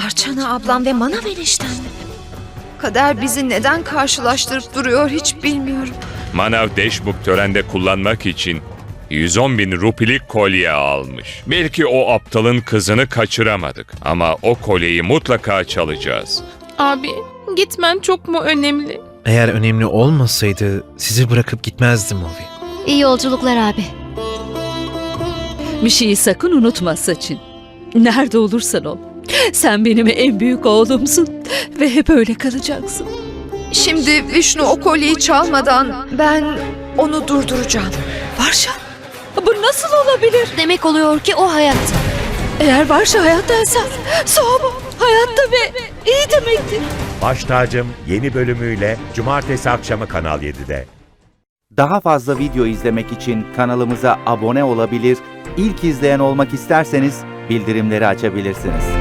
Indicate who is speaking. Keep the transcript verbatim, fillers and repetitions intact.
Speaker 1: Arçana ablam ve Manav eniştem mi? Kader bizi neden karşılaştırıp duruyor hiç bilmiyorum.
Speaker 2: Manav Deşmukh törende kullanmak için yüz on bin rupilik kolye almış. Belki o aptalın kızını kaçıramadık ama o kolyeyi mutlaka çalacağız.
Speaker 3: Abi, gitmen çok mu önemli?
Speaker 4: Eğer önemli olmasaydı sizi bırakıp gitmezdim Ovi.
Speaker 5: İyi yolculuklar abi.
Speaker 6: Bir şeyi sakın unutma Saçın. Nerede olursan ol. Sen benim en büyük oğlumsun ve hep öyle kalacaksın.
Speaker 1: Şimdi Vishnu o kolyeyi çalmadan ben onu durduracağım.
Speaker 6: Varşa, bu nasıl olabilir?
Speaker 5: Demek oluyor ki o hayatta.
Speaker 6: Eğer Varşa hayattaysa Soğuma hayatta ve iyi demektir.
Speaker 7: Baş Tacım yeni bölümüyle Cumartesi akşamı Kanal yedide.
Speaker 8: Daha fazla video izlemek için kanalımıza abone olabilir, ilk izleyen olmak isterseniz bildirimleri açabilirsiniz.